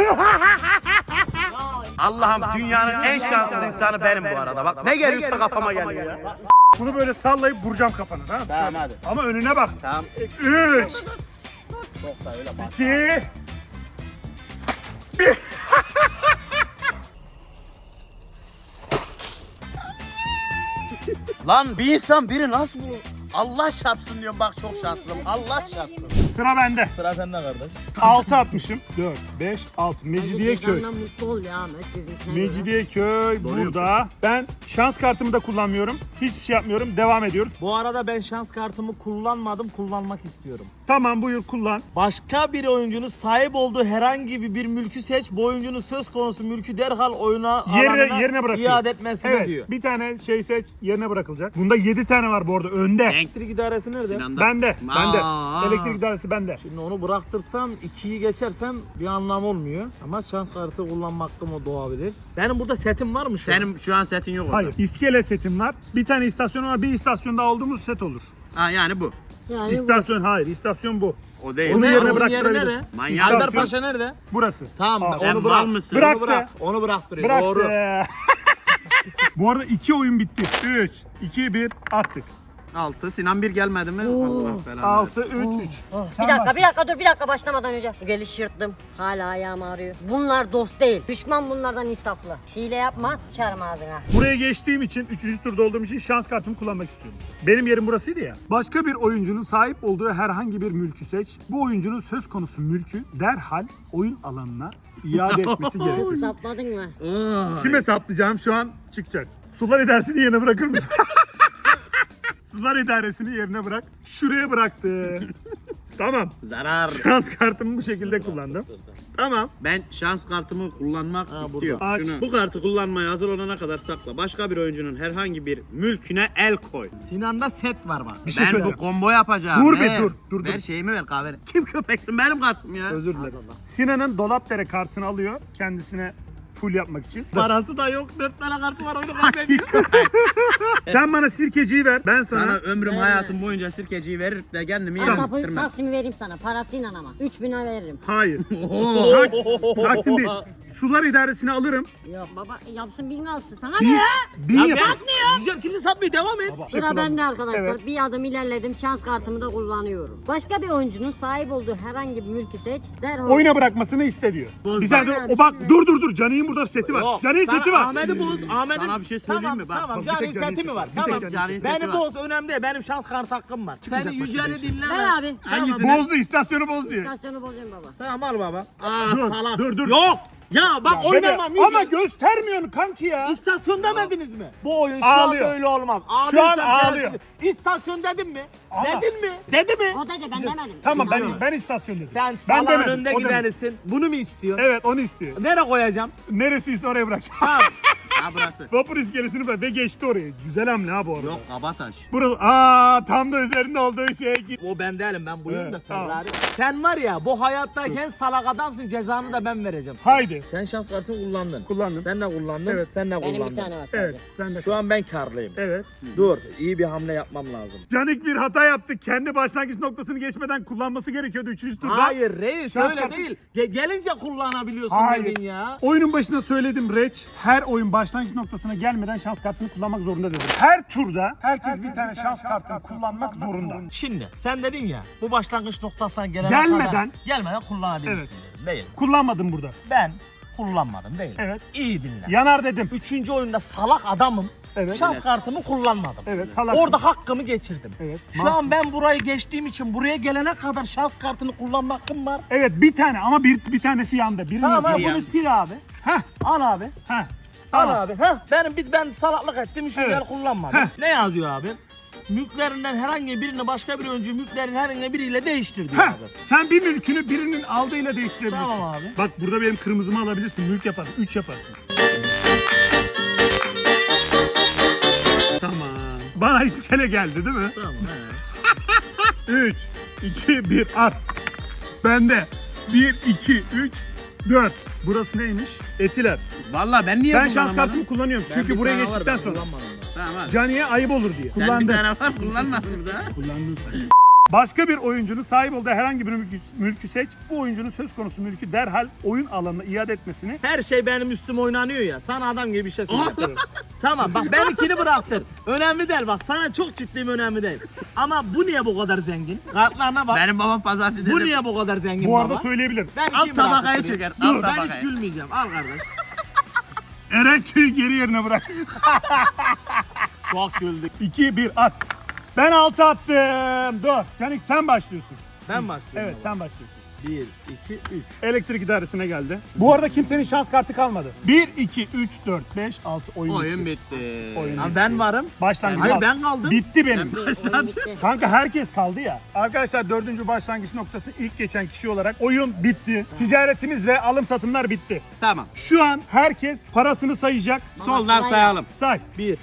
Speaker 3: Allah'ım dünyanın en şanssız insanı benim bu arada. Bak ne geliyorsa kafama geliyor ya.
Speaker 1: Bunu böyle sallayıp vuracağım kafana, tamam mı?
Speaker 3: Tamam hadi.
Speaker 1: Ama önüne bak.
Speaker 3: Tamam.
Speaker 1: Üç. İki.
Speaker 3: Lan bir insan biri nasıl bu? Allah çarpsın diyorum bak çok şanslıyım. Allah çarpsın.
Speaker 1: Sıra bende.
Speaker 4: Sıra sende kardeş.
Speaker 1: altı atmışım. dört, beş, altı. Mecidiyeköy.
Speaker 2: Cezandan mutlu ol ya Ahmet. bizimkine göre.
Speaker 1: Mecidiyeköy burada. Ben şans kartımı da kullanmıyorum. Hiçbir şey yapmıyorum. Devam ediyoruz.
Speaker 4: Bu arada ben şans kartımı kullanmadım, kullanmak istiyorum.
Speaker 1: Tamam buyur kullan.
Speaker 4: Başka bir oyuncunun sahip olduğu herhangi bir, bir mülkü seç. Bu oyuncunun söz konusu mülkü derhal oyuna
Speaker 1: Yere,
Speaker 4: alanına
Speaker 1: yerine bırakıyor.
Speaker 4: iade etmesini
Speaker 1: Evet,
Speaker 4: diyor.
Speaker 1: bir tane şey seç yerine bırakılacak. Bunda yedi tane var bu arada önde.
Speaker 4: Elektrik idaresi nerede?
Speaker 7: Sinan'da.
Speaker 1: Bende, bende.
Speaker 7: Aa.
Speaker 1: Elektrik idaresi bende.
Speaker 4: Şimdi onu bıraktırsam ikiyi geçersem bir anlam olmuyor. Ama şans kartı kullanma hakkım o doğabilir. Benim burada setim var mı şu an?
Speaker 7: Senin şu an setin yok orada.
Speaker 1: Hayır, iskele setim var. Bir tane istasyon var. Bir istasyonda olduğumuz set olur.
Speaker 7: Ha yani bu.
Speaker 2: Yani bu-
Speaker 1: İstasyon hayır, istasyon bu.
Speaker 7: O değil.
Speaker 1: Onu
Speaker 4: Ne?
Speaker 1: yerine
Speaker 4: Onun yeri
Speaker 1: bıraktırabiliriz.
Speaker 4: nerede?
Speaker 7: Manyak
Speaker 4: Serdar
Speaker 1: mısın?
Speaker 4: Paşa nerede?
Speaker 1: Burası.
Speaker 4: Tamam
Speaker 1: Aa,
Speaker 7: Sen
Speaker 4: onu
Speaker 7: mal
Speaker 4: bırak.
Speaker 7: mısın?
Speaker 1: Bırak.
Speaker 4: Onu bırak. Onu bıraktırıyor.
Speaker 1: Bıraktı.
Speaker 4: Doğru.
Speaker 1: Bu arada iki oyun bitti. üç, iki, bir attık.
Speaker 7: altı. Sinan bir gelmedi mi? Allah belanı.
Speaker 1: altı, üç, üç.
Speaker 2: Oh,
Speaker 1: Sen
Speaker 2: bir dakika
Speaker 1: başla.
Speaker 2: bir dakika dur bir dakika başlamadan önce. Geliş yırttım. Hala ayağım ağrıyor. Bunlar dost değil. Düşman bunlardan insaflı. Hile yapma sıçarım ağzına.
Speaker 1: Buraya geçtiğim için, üçüncü turda olduğum için şans kartımı kullanmak istiyorum. Benim yerim burasıydı ya. Başka bir oyuncunun sahip olduğu herhangi bir mülkü seç. Bu oyuncunun söz konusu mülkü derhal oyun alanına iade etmesi gerekir.
Speaker 2: Sapladın mı?
Speaker 1: Kime saplayacağım şu an çıkacak. Sular idaresini yerine bırakır mısın? Sular idaresini yerine bırak. Şuraya bıraktı. Tamam.
Speaker 7: Zarar.
Speaker 1: Şans kartımı bu şekilde kullandım. Tamam.
Speaker 7: Ben şans kartımı kullanmak istiyorum.
Speaker 1: Aç.
Speaker 7: Şunu. Bu kartı kullanmaya hazır olana kadar sakla. Başka bir oyuncunun herhangi bir mülküne el koy.
Speaker 4: Sinan'da set var bak.
Speaker 1: Bir şey
Speaker 7: Ben
Speaker 1: söyle.
Speaker 7: bu combo yapacağım.
Speaker 1: Dur be,
Speaker 7: Ver.
Speaker 1: dur, dur,
Speaker 7: Ver
Speaker 1: dur.
Speaker 7: şeyimi ver kahve. Kim köpeksin benim kartım ya.
Speaker 1: Özür dilerim. Sinan'ın Dolapdere kartını alıyor kendisine full yapmak için.
Speaker 4: Parası da yok. Dört tane kartı var. Oyunu kaybediyor.
Speaker 1: Sen bana sirkeciyi ver. Ben sana,
Speaker 7: Sana ömrüm
Speaker 2: Ver.
Speaker 7: hayatım boyunca sirkeciyi verir de kendimi
Speaker 2: Al
Speaker 7: yerim
Speaker 2: kapıyı
Speaker 7: bitirmem.
Speaker 2: Taksim'i vereyim sana. Parasıyla ama. üç bin lira veririm.
Speaker 1: hayır. Taks- Taksim değil. Sular idaresini alırım.
Speaker 2: Yok baba yapsın bin alsın. Sana ne
Speaker 1: Bin,
Speaker 2: ya?
Speaker 1: bin yap.
Speaker 4: Güzel kimse satmıyor. Devam et.
Speaker 2: Sıra bende arkadaşlar.
Speaker 1: Evet.
Speaker 2: Bir adım ilerledim. Şans kartımı da kullanıyorum. Başka bir oyuncunun sahip olduğu herhangi bir mülkü seç. Derhal
Speaker 1: Oyuna bırakmasını iste diyor. Bir saniye,
Speaker 2: Bana
Speaker 1: o bak
Speaker 2: bir şey-
Speaker 1: dur dur dur. Canik'in burada seti var.
Speaker 4: Yok,
Speaker 1: Canik'in
Speaker 4: sana
Speaker 1: seti var.
Speaker 4: Ahmet'i boz. Ahmet'in...
Speaker 7: Sana bir şey söyleyeyim
Speaker 4: tamam,
Speaker 7: mi? Bak,
Speaker 4: Tamam,
Speaker 1: bak, bir
Speaker 4: Cani'nin
Speaker 1: tek Cani'nin
Speaker 4: seti mi
Speaker 1: seti
Speaker 4: var?
Speaker 1: var. Bir
Speaker 4: Tamam.
Speaker 1: tek
Speaker 7: Cani'nin seti
Speaker 4: Beni
Speaker 7: var.
Speaker 4: boz önemli değil. Benim şans kart hakkım var.
Speaker 1: Çıkmayacak
Speaker 4: Seni
Speaker 1: başka
Speaker 4: yüceli
Speaker 1: bir şey.
Speaker 4: dinleme.
Speaker 2: Ver abi.
Speaker 7: Hangisini?
Speaker 1: Bozdu, istasyonu boz diyor.
Speaker 2: İstasyonu bozacağım baba.
Speaker 4: Tamam al baba. Aa
Speaker 1: Dur,
Speaker 4: salak.
Speaker 1: dur, dur.
Speaker 4: Yok. Ya bak
Speaker 1: Bebe,
Speaker 4: oynamam.
Speaker 1: ama
Speaker 4: yücel.
Speaker 1: göstermiyorsun kanki ya.
Speaker 4: İstasyon demediniz mi? Bu oyun şu
Speaker 1: Ağlıyor.
Speaker 4: an böyle olmaz.
Speaker 1: Şu an
Speaker 4: Ağlıyorsan
Speaker 1: ağlıyor.
Speaker 4: sensin. İstasyon dedim mi?
Speaker 1: Ama-
Speaker 4: Dedin mi? Dedi mi?
Speaker 2: O dedi ben demedim.
Speaker 1: Tamam ben
Speaker 2: İnsanlar.
Speaker 1: ben istasyon dedim.
Speaker 4: Sen
Speaker 1: ben
Speaker 4: salağın
Speaker 1: demedim,
Speaker 4: önde
Speaker 1: o demedi.
Speaker 4: gidenisin. Bunu mu istiyorsun?
Speaker 1: Evet onu istiyor.
Speaker 4: Nereye koyacağım?
Speaker 1: Neresi ise oraya bırakacağım.
Speaker 4: Tamam.
Speaker 7: Ha burası.
Speaker 1: Vapur iskelesini bırak ve geçti oraya. Güzel hamle ha bu arada.
Speaker 7: Yok Kabataş.
Speaker 1: Burası aa tam da üzerinde olduğu şey.
Speaker 4: O ben değilim, ben buyum
Speaker 1: Evet,
Speaker 4: da
Speaker 1: tamam.
Speaker 4: Ferrari. Sen var ya bu hayattayken salak adamsın, cezanı da ben vereceğim.
Speaker 1: Haydi.
Speaker 4: Sen şans kartını kullandın.
Speaker 1: Kullandım.
Speaker 4: Sen de kullandın.
Speaker 1: Evet.
Speaker 4: Sen de
Speaker 2: Benim
Speaker 4: kullandın.
Speaker 2: bir tane var sadece.
Speaker 1: Evet sen de.
Speaker 4: Şu an ben karlıyım.
Speaker 1: Evet.
Speaker 4: Dur, iyi bir hamle yapmam lazım.
Speaker 1: Canik bir hata yaptı. Kendi başlangıç noktasını geçmeden kullanması gerekiyordu üçüncü turda.
Speaker 4: Hayır reis
Speaker 1: Şans
Speaker 4: öyle
Speaker 1: kartı-
Speaker 4: değil. Ge- gelince kullanabiliyorsun
Speaker 1: Hayır.
Speaker 4: dedin ya.
Speaker 1: Oyunun başında söyledim Reç. Her oyun başlangıç noktasına gelmeden şans kartını kullanmak zorunda dedim. Her turda herkes bir tane şans kartını kullanmak zorunda.
Speaker 4: Şimdi sen dedin ya bu başlangıç noktasına gelene
Speaker 1: Gelmeden-
Speaker 4: kadar gelmeden kullanabilirsin
Speaker 1: Evet.
Speaker 4: dedim. Değil.
Speaker 1: Kullanmadım burada.
Speaker 4: Ben kullanmadım değil.
Speaker 1: Evet.
Speaker 4: İyi dinle.
Speaker 1: Yanar dedim.
Speaker 4: Üçüncü oyunda salak adamım.
Speaker 1: Evet.
Speaker 4: Şans kartımı kullanmadım.
Speaker 1: Evet salaksın.
Speaker 4: Orada hakkımı geçirdim.
Speaker 1: Evet.
Speaker 4: Şu
Speaker 1: masum.
Speaker 4: an ben burayı geçtiğim için buraya gelene kadar şans kartını kullanma hakkım var.
Speaker 1: Evet bir tane ama bir bir tanesi yandı. Birini
Speaker 4: Tamam abi
Speaker 1: yapıyor.
Speaker 4: bunu sil abi.
Speaker 1: Heh.
Speaker 4: Al abi.
Speaker 1: Heh.
Speaker 4: Al
Speaker 1: Tamam.
Speaker 4: abi. Heh, benim biz ben salaklık ettim için
Speaker 1: Evet.
Speaker 4: ben kullanmadım.
Speaker 1: Heh.
Speaker 4: Ne yazıyor abi? Mülklerinden herhangi birini başka bir oyuncu mülklerin herhangi biriyle değiştir diyor
Speaker 1: Heh.
Speaker 4: abi.
Speaker 1: Sen bir mülkünü birinin aldığıyla değiştirebilirsin.
Speaker 4: Tamam abi.
Speaker 1: Bak burada benim kırmızımı alabilirsin. Mülk yaparsın. Üç yaparsın. Tamam. Bana iskele geldi değil mi?
Speaker 4: Tamam.
Speaker 1: üç, iki, bir at. Bende. bir, iki, üç, dört. Burası neymiş? Etiler.
Speaker 7: Vallahi ben niye
Speaker 1: Ben şans
Speaker 7: kullanamadım?
Speaker 1: kartımı kullanıyorum. Çünkü buraya geçtikten sonra.
Speaker 7: Tamam hadi.
Speaker 1: Cani'ye ayıp olur diye.
Speaker 7: Sen bir
Speaker 1: Kullandım.
Speaker 7: tane var kullanmadın da.
Speaker 1: Kullandın sen. Başka bir oyuncunun sahip olduğu herhangi bir mülkü, mülkü seç. Bu oyuncunun söz konusu mülkü derhal oyun alanına iade etmesini.
Speaker 4: Her şey benim üstüme oynanıyor ya. Sana adam gibi bir şey söylüyorum. Tamam bak ben ikini bıraktır. Önemli değil bak sana çok ciddiyim önemli değil. Ama bu niye bu kadar zengin? Kartlarına bak.
Speaker 7: Benim babam pazarcı dedim.
Speaker 4: Bu niye bu kadar zengin
Speaker 1: Bu arada
Speaker 4: baba?
Speaker 1: söyleyebilirim.
Speaker 4: Ben
Speaker 7: Alt
Speaker 4: iki
Speaker 7: tabakayı
Speaker 4: bıraktırayım.
Speaker 7: çeker,
Speaker 4: Dur
Speaker 7: alt
Speaker 4: ben hiç
Speaker 7: tabakayı.
Speaker 4: gülmeyeceğim. Al kardeş.
Speaker 1: Erenköy'ü geri yerine bırak.
Speaker 4: Çok güldük.
Speaker 1: iki, bir at. Ben altı attım. Dur. Canik sen başlıyorsun.
Speaker 4: Ben başlıyorum.
Speaker 1: Evet
Speaker 4: baba.
Speaker 1: sen başlıyorsun.
Speaker 4: bir, iki, üç.
Speaker 1: Elektrik idaresine geldi. Bu arada kimsenin şans kartı kalmadı. bir, iki, üç, dört, beş, altı oyun,
Speaker 3: Oyun
Speaker 1: bitti.
Speaker 3: bitti.
Speaker 1: Oyun
Speaker 4: Lan
Speaker 1: bitti.
Speaker 4: ben varım.
Speaker 1: Başlangıç
Speaker 4: Hayır
Speaker 1: kaldı.
Speaker 4: ben kaldım.
Speaker 1: Bitti benim.
Speaker 2: Oyun bitti.
Speaker 1: Kanka herkes kaldı ya. Arkadaşlar dördüncü başlangıç noktası ilk geçen kişi olarak oyun bitti. Ticaretimiz ve alım satımlar bitti.
Speaker 3: Tamam.
Speaker 1: Şu an herkes parasını sayacak.
Speaker 3: Soldan
Speaker 2: sırayla.
Speaker 3: sayalım.
Speaker 1: Say.
Speaker 4: bir,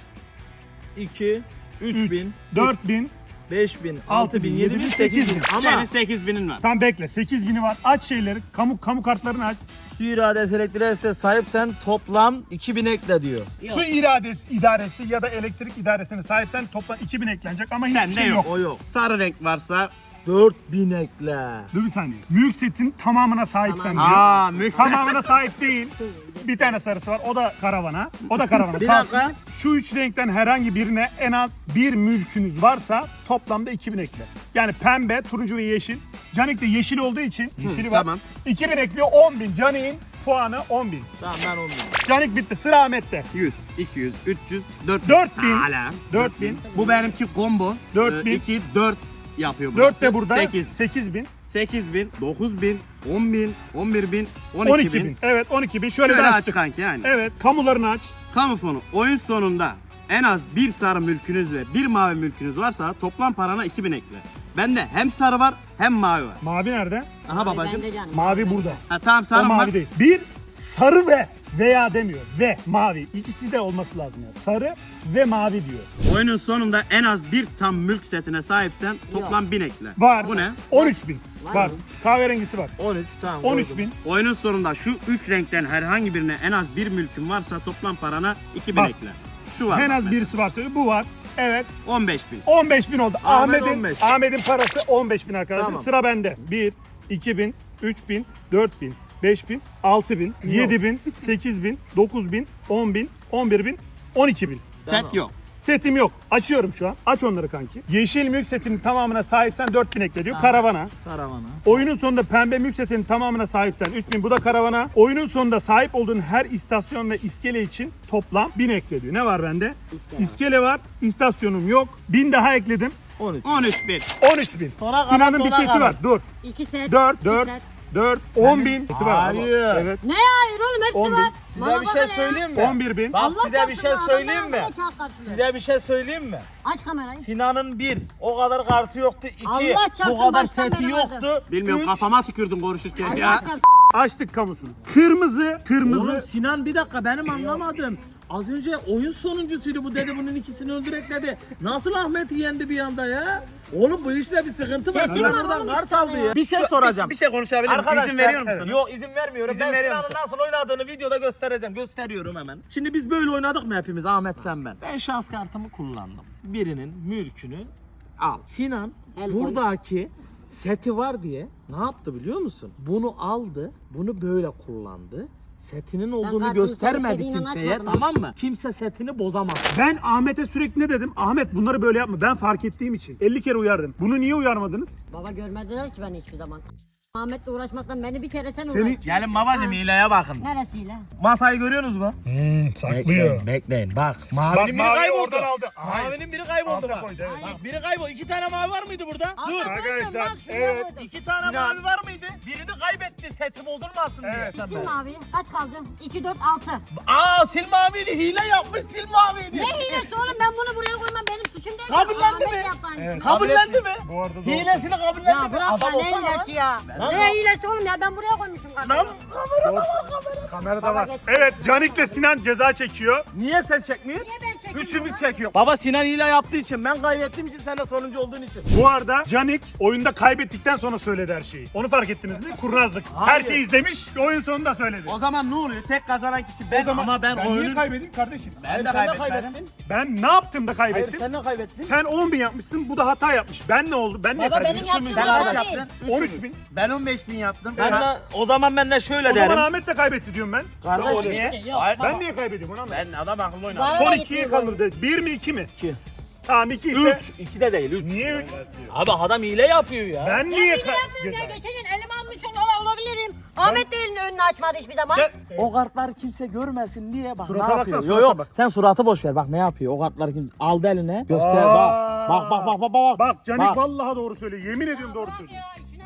Speaker 4: iki, üç
Speaker 1: üç,
Speaker 4: bin,
Speaker 1: dört bin.
Speaker 4: beş bin,
Speaker 1: altı
Speaker 4: altı
Speaker 1: bin,
Speaker 4: bin,
Speaker 1: yedi
Speaker 4: yedi
Speaker 1: bin,
Speaker 4: bin,
Speaker 1: sekiz
Speaker 4: sekiz
Speaker 1: bin.
Speaker 4: bin. Ama
Speaker 3: Senin sekiz binin var.
Speaker 1: Tam bekle. sekiz bini var. Aç şeyleri. Kamu kamu kartlarını aç.
Speaker 4: su iradesi elektriğe sahipsen toplam iki bin ekle diyor.
Speaker 1: Su iradesi idaresi ya da elektrik idaresine sahipsen toplam iki bin eklenecek ama hiçbir
Speaker 3: Sende
Speaker 1: şey
Speaker 3: yok.
Speaker 1: yok.
Speaker 4: O yok.
Speaker 3: Sarı renk varsa.
Speaker 4: dört bin ekle.
Speaker 1: Dur bir saniye. Mülk setin tamamına sahipsen diyor.
Speaker 3: Aa, mülk.
Speaker 1: Tamamına sahip değil. Bir tane sarısı var. O da karavana. O da karavana.
Speaker 4: Bir
Speaker 1: Kalsın.
Speaker 4: dakika.
Speaker 1: Şu üç renkten herhangi birine en az bir mülkünüz varsa toplamda iki bin ekle. Yani pembe, turuncu ve yeşil. Canik de yeşil olduğu için yeşili var.
Speaker 3: tamam.
Speaker 1: iki bin ekliyor on bin. Canik'in puanı on bin.
Speaker 4: Tamam ben on bin.
Speaker 1: Canik bitti. Sıra Ahmet'te.
Speaker 3: yüz, iki yüz, üç yüz, dört bin.
Speaker 1: dört bin.
Speaker 3: Hala.
Speaker 1: dört bin.
Speaker 3: Bu benimki combo.
Speaker 1: dört bin.
Speaker 3: iki, dört yapıyor burası.
Speaker 1: dört de burada.
Speaker 3: sekiz.
Speaker 1: sekiz bin.
Speaker 3: sekiz bin, dokuz bin, on bin, on bir bin, on
Speaker 1: on
Speaker 3: iki
Speaker 1: iki bin.
Speaker 3: bin.
Speaker 1: Evet on iki bin. Şöyle,
Speaker 3: Şöyle
Speaker 1: bir
Speaker 3: aç
Speaker 1: açtık.
Speaker 3: kanki yani.
Speaker 1: Evet. Kamularını aç.
Speaker 3: Kamu fonu oyun sonunda en az bir sarı mülkünüz ve bir mavi mülkünüz varsa toplam parana iki bin ekle. Bende hem sarı var hem mavi var.
Speaker 1: Mavi nerede?
Speaker 3: Aha babacım.
Speaker 2: Ben de canım.
Speaker 1: Mavi burada.
Speaker 3: Ha, tamam
Speaker 1: O
Speaker 3: sarı
Speaker 1: mavi
Speaker 3: var.
Speaker 1: değil. Bir sarı ve veya demiyor. Ve mavi. İkisi de olması lazım yani. Sarı ve mavi diyor.
Speaker 3: Oyunun sonunda en az bir tam mülk setine sahipsen toplam bin ekle.
Speaker 1: Var.
Speaker 3: Bu ne?
Speaker 1: on üç bin.
Speaker 2: Var
Speaker 1: Var.
Speaker 2: mı?
Speaker 1: Kahverengisi var.
Speaker 4: on üç tamam.
Speaker 1: on üç
Speaker 4: koydum.
Speaker 1: bin.
Speaker 3: Oyunun sonunda şu üç renkten herhangi birine en az bir mülkün varsa toplam parana iki bin
Speaker 1: Bak.
Speaker 3: ekle. Şu var.
Speaker 1: En
Speaker 3: bak
Speaker 1: az
Speaker 3: mesela.
Speaker 1: birisi varsa bu var. Evet.
Speaker 3: on beş bin.
Speaker 1: on beş bin oldu.
Speaker 4: Ahmet
Speaker 1: Ahmet'in
Speaker 4: on beş.
Speaker 1: Ahmet'in parası on beş bin arkadaşlar.
Speaker 4: Tamam.
Speaker 1: Sıra bende. bir, iki bin, üç bin, dört bin, beş bin, altı bin, yedi bin, sekiz bin, dokuz bin, on bin, on bir bin, on iki bin.
Speaker 3: Set yok.
Speaker 1: Setim yok. Açıyorum şu an. Aç onları kanki. Yeşil mülk setinin tamamına sahipsen dört bin ekle diyor. Karavana.
Speaker 4: Karavana.
Speaker 1: Oyunun sonunda pembe mülk setinin tamamına sahipsen üç bin. Bu da karavana. Oyunun sonunda sahip olduğun her istasyon ve iskele için toplam bin ekle diyor. Ne var bende?
Speaker 2: İskele.
Speaker 1: İskele var. İstasyonum yok. bin daha ekledim.
Speaker 4: on üç.
Speaker 3: on üç bin.
Speaker 1: on üç bin.
Speaker 4: Sonra
Speaker 1: Sinan'ın
Speaker 4: kalan,
Speaker 1: bir
Speaker 4: sonra
Speaker 1: seti
Speaker 4: kalan.
Speaker 1: var. Dur.
Speaker 2: İki set.
Speaker 1: dört,
Speaker 2: iki
Speaker 1: dört,
Speaker 2: set.
Speaker 1: dört, on bin. Seti var.
Speaker 4: Hayır.
Speaker 1: Evet.
Speaker 2: Ne hayır oğlum hepsi
Speaker 1: on bin.
Speaker 2: var.
Speaker 4: Size
Speaker 2: Bana
Speaker 4: bir
Speaker 2: bak
Speaker 4: şey
Speaker 2: hele ya.
Speaker 4: söyleyeyim mi?
Speaker 1: on bir bin.
Speaker 4: Bak
Speaker 2: Allah
Speaker 4: size bir
Speaker 2: çarpsın
Speaker 4: şey
Speaker 2: ya,
Speaker 4: söyleyeyim
Speaker 2: adamlar
Speaker 4: mi?
Speaker 2: bana kağıt karşılıyor.
Speaker 4: Size bir şey söyleyeyim mi?
Speaker 2: Aç kamerayı.
Speaker 4: Sinan'ın bir, o kadar kartı yoktu. İki,
Speaker 2: Allah çarpsın,
Speaker 4: bu kadar
Speaker 2: baştan
Speaker 4: seti
Speaker 2: beri
Speaker 4: yoktu.
Speaker 3: Bilmiyorum
Speaker 4: Üç,
Speaker 3: kafama tükürdün konuşurken
Speaker 2: Allah
Speaker 3: ya.
Speaker 2: çarpsın.
Speaker 1: Açtık kamusunu. Kırmızı, kırmızı.
Speaker 4: Oğlum Sinan bir dakika benim anlamadım. Az önce oyun sonuncusuydu bu dedi bunun ikisini öldürek dedi. Nasıl Ahmet'i yendi bir anda ya? Oğlum bu işte bir sıkıntı var.
Speaker 2: Sesim
Speaker 4: Sinan
Speaker 2: var
Speaker 4: buradan
Speaker 2: oğlum,
Speaker 4: kart
Speaker 2: bir tane
Speaker 4: aldı
Speaker 2: ya.
Speaker 4: ya. Bir şey soracağım.
Speaker 3: Bir şey konuşabilir miyim?
Speaker 4: Arkadaşlar,
Speaker 3: İzin veriyor musunuz?
Speaker 4: Yok izin vermiyorum.
Speaker 3: İzin
Speaker 4: ben
Speaker 3: veriyor
Speaker 4: Sinan'ın
Speaker 3: musun?
Speaker 4: nasıl oynadığını videoda göstereceğim. Gösteriyorum hemen. Şimdi biz böyle oynadık mı hepimiz Ahmet sen ben? Ben şans kartımı kullandım. Birinin mülkünü al. Sinan
Speaker 2: El koy.
Speaker 4: buradaki seti var diye ne yaptı biliyor musun? Bunu aldı, bunu böyle kullandı. Setinin olduğunu
Speaker 2: kartımı
Speaker 4: göstermedi
Speaker 2: istediğinden
Speaker 4: kimseye,
Speaker 2: açmadım.
Speaker 4: tamam mı? Kimse setini bozamaz.
Speaker 1: Ben Ahmet'e sürekli ne dedim? Ahmet bunları böyle yapma. Ben fark ettiğim için. elli kere uyardım. Bunu niye uyarmadınız?
Speaker 2: Baba görmediler ki beni hiçbir zaman. Ahmet'le uğraşmaktan beni bir kere sen
Speaker 1: Seni-
Speaker 2: uğraş.
Speaker 4: Gelin babacım hileye bakın.
Speaker 2: Neresiyle?
Speaker 4: Masayı görüyorsunuz mu?
Speaker 1: saklıyor.
Speaker 4: bekleyin. Bak mavinin biri
Speaker 1: mavi
Speaker 4: kayboldu.
Speaker 1: oradan aldı. Hayır.
Speaker 4: Mavinin biri kayboldu
Speaker 1: Alta
Speaker 4: bak.
Speaker 1: koydu, evet.
Speaker 4: Bak biri kayboldu. İki tane mavi var mıydı burada? Dur.
Speaker 1: Arkadaşlar, evet.
Speaker 4: İki tane
Speaker 1: Sinan.
Speaker 4: mavi var mıydı? Birini kaybetti seti bozulmasın diye.
Speaker 1: Evet.
Speaker 2: Sil mavi. Kaç kaldı? iki, dört, altı.
Speaker 4: Aa sil maviydi hile yapmış sil maviydi.
Speaker 2: Ne hilesi oğlum ben bunu buraya koymam benim suçum değil.
Speaker 4: Kabullendi
Speaker 2: Ahmet
Speaker 4: mi?
Speaker 2: yaptı aynısını.
Speaker 1: Evet.
Speaker 4: Kabullendi mi?
Speaker 1: Bu arada doğru.
Speaker 4: Hilesini kabullendi
Speaker 2: Ya
Speaker 4: mi?
Speaker 2: bırak ya
Speaker 4: Adam
Speaker 2: ne
Speaker 4: olsana lan.
Speaker 2: hilesi ya. Ne hilesi oğlum ya ben buraya koymuşum
Speaker 4: Lan
Speaker 2: kardeşim.
Speaker 4: kamerada var kamerada.
Speaker 1: Kamerada var.
Speaker 2: geç.
Speaker 1: Evet, Canik'le Sinan ceza çekiyor.
Speaker 4: Niye sen çekmiyorsun?
Speaker 2: Niye ben çekeyim
Speaker 4: Üçümüz
Speaker 2: bunu?
Speaker 4: çekiyor. Baba Sinan hile yaptığı için ben kaybettiğim için sen de sonuncu olduğun için.
Speaker 1: Bu arada Canik oyunda kaybettikten sonra söyledi her şeyi. Onu fark ettiniz mi? Kurnazlık. Her
Speaker 4: Hayır.
Speaker 1: şeyi izlemiş, oyun sonunda söyledi.
Speaker 3: O zaman ne oluyor? Tek kazanan kişi ben.
Speaker 4: Ama ben,
Speaker 1: Ben niye
Speaker 4: oyunu...
Speaker 1: kaybedeyim kardeşim?
Speaker 3: Ben de
Speaker 4: sen de
Speaker 3: kaybetmedim.
Speaker 4: kaybettin.
Speaker 1: Ben ne yaptım da
Speaker 4: Hayır
Speaker 1: kaybettim?
Speaker 4: sen de kaybettin.
Speaker 1: Sen on bin yapmışsın, bu da hata yapmış. Ben ne oldu? Ben niye
Speaker 2: Baba benim
Speaker 1: kaybettim?
Speaker 2: yaptığım
Speaker 3: Sen
Speaker 2: hata
Speaker 3: kaç
Speaker 2: değil.
Speaker 3: yaptın?
Speaker 1: on üç bin.
Speaker 3: Ben on beş bin yaptım.
Speaker 4: Ben de, o zaman ben de şöyle
Speaker 1: O zaman
Speaker 4: derim.
Speaker 1: Ahmet de kaybetti diyorum ben.
Speaker 4: Kardeş
Speaker 3: Niye?
Speaker 2: Yok,
Speaker 3: Hayır,
Speaker 1: Ben niye kaybediyorum onu anlamadım.
Speaker 3: Ben adam akıllı oynadım.
Speaker 2: Bana
Speaker 1: Son
Speaker 2: da
Speaker 1: ikiye
Speaker 2: gitmiyor
Speaker 1: kalır dedi. Bir mi iki mi?
Speaker 4: İki.
Speaker 1: Tamam iki ise.
Speaker 4: Üç. İki de değil üç.
Speaker 1: Niye üç?
Speaker 4: Abi adam hile yapıyor ya.
Speaker 1: Ben
Speaker 2: Ben
Speaker 1: niye
Speaker 2: hile yapmıyorum ya.
Speaker 1: kaybediyorum?
Speaker 2: Geçen gün elime almış ola- olabilirim. Ahmet de elini önüne açmadı hiçbir zaman.
Speaker 3: Gel.
Speaker 4: O kartları kimse görmesin diye bak
Speaker 1: Surata
Speaker 4: ne yapıyor.
Speaker 1: baksana,
Speaker 4: Yo
Speaker 1: surata
Speaker 4: yo
Speaker 1: bak.
Speaker 4: sen suratı boş ver bak ne yapıyor. O kartları kim aldı eline göster
Speaker 1: Aa.
Speaker 4: bak. Bak bak bak bak bak.
Speaker 1: Bak Canik
Speaker 4: Bak.
Speaker 1: vallahi doğru söylüyor. Yemin ediyorum doğru söylüyor.
Speaker 2: Ya işine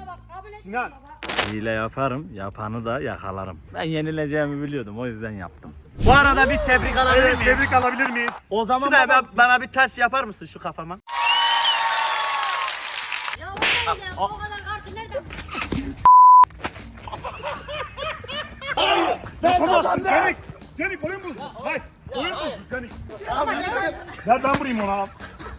Speaker 1: Sinan.
Speaker 4: Hile yaparım, yapanı da yakalarım. Ben yenileceğimi biliyordum, o yüzden yaptım. Bu arada bir tebrik alabilir
Speaker 1: Evet,
Speaker 4: miyim?
Speaker 1: tebrik alabilir miyiz?
Speaker 4: O zaman
Speaker 3: Şuraya
Speaker 4: baba-
Speaker 3: ben- bana bir taş yapar mısın şu kafama?
Speaker 2: Ya o ne ya? O kadar kartı nereden?
Speaker 1: Ben kazandım. Canik, Canik oyun bozdu. Hayır, oyun bozdu Canik. Ver ben vurayım ona. al.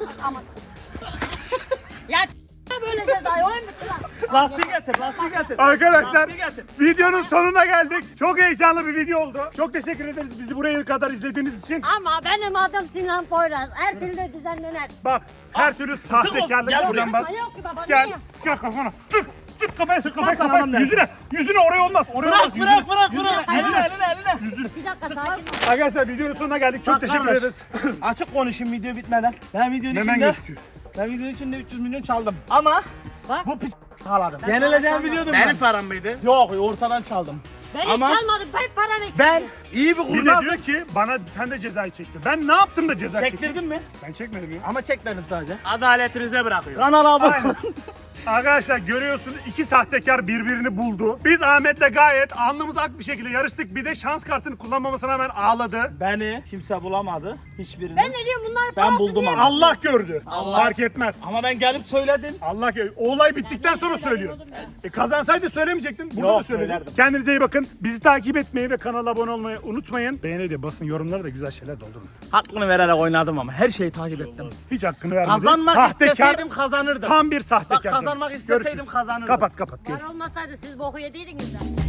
Speaker 2: Ya s- böyle cezayı oyun bitti lan.
Speaker 3: Lastiği getir, lastiği getir.
Speaker 1: Arkadaşlar
Speaker 3: Lastiği getir.
Speaker 1: videonun sonuna geldik. Çok heyecanlı bir video oldu. Çok teşekkür ederiz bizi buraya kadar izlediğiniz için.
Speaker 2: Ama benim adım Sinan Poyraz. Her türlü düzenlenir.
Speaker 1: Bak her türlü sahtekarlık
Speaker 3: Gel
Speaker 1: buradan bas.
Speaker 2: Yok ki baba.
Speaker 1: Gel,
Speaker 2: ne ya?
Speaker 1: gel kafana. Sık, sık kafaya sık kafaya
Speaker 3: Bas sana
Speaker 1: kafaya.
Speaker 3: adam dersin.
Speaker 1: Yüzüne, yüzüne oraya olmaz. Oraya olmaz.
Speaker 3: Bırak, bırak, bırak,
Speaker 1: Yüzüne,
Speaker 3: bırak.
Speaker 1: yüzüne.
Speaker 3: Eline, eline, eline.
Speaker 2: Bir dakika sakin ol.
Speaker 1: Arkadaşlar videonun sonuna geldik. Çok
Speaker 3: Bak
Speaker 1: teşekkür
Speaker 3: kardeş,
Speaker 1: ederiz.
Speaker 3: Açık konuşayım video bitmeden. Ben videonun
Speaker 1: Hemen
Speaker 3: içinde,
Speaker 1: gözüküyor.
Speaker 3: ben videonun içinde üç yüz milyon çaldım. Ama
Speaker 2: Bak.
Speaker 3: bu pis kaladım.
Speaker 2: Ben
Speaker 3: Yenileceğimi
Speaker 2: para
Speaker 3: biliyordum
Speaker 7: Benim
Speaker 3: ben.
Speaker 7: param mıydı?
Speaker 3: Yok, ortadan çaldım.
Speaker 2: Ben hiç
Speaker 3: Ama-
Speaker 2: çalmadım. Ben param eksik.
Speaker 3: Ben iyi bir
Speaker 1: Bir de
Speaker 3: kurnazım.
Speaker 1: diyor ki bana sen de cezayı çektin. Ben ne yaptım da ceza çektim?
Speaker 3: Çektirdin mi?
Speaker 1: Ben çekmedim ya.
Speaker 3: Ama çekmedim sadece.
Speaker 7: Adaletinize bırakıyorum.
Speaker 3: Kanala abone
Speaker 1: Aynen. Arkadaşlar görüyorsunuz iki sahtekar birbirini buldu. Biz Ahmet'le gayet alnımız ak bir şekilde yarıştık. Bir de şans kartını kullanmamasına hemen ağladı.
Speaker 3: Beni kimse bulamadı. Hiçbirini.
Speaker 2: Ben ne diyorum bunlar
Speaker 3: Ben
Speaker 2: parası
Speaker 3: buldum
Speaker 2: diye.
Speaker 3: ama.
Speaker 1: Allah gördü.
Speaker 3: Allah.
Speaker 1: Fark etmez.
Speaker 3: Ama ben gelip söyledim.
Speaker 1: Allah gördü. O olay bittikten sonra söylüyor. E kazansaydın söylemeyecektin. Burada
Speaker 3: Yok,
Speaker 1: da söyledin.
Speaker 3: söylerdim.
Speaker 1: Kendinize iyi bakın. Bizi takip etmeyi ve kanala abone olmayı unutmayın. Beğeni de basın, yorumlara da güzel şeyler doldurun.
Speaker 3: Hakkını vererek oynadım ama her şeyi takip ettim.
Speaker 1: Hiç hakkını vermediniz.
Speaker 3: Kazanmak
Speaker 1: Sahtekar,
Speaker 3: isteseydim kazanırdım.
Speaker 1: tam bir sahtekar.
Speaker 3: Bak, kazanmak isteseydim kazanırdım.
Speaker 1: Kapat kapat.
Speaker 2: Var olmasaydı siz boku yediydiniz de.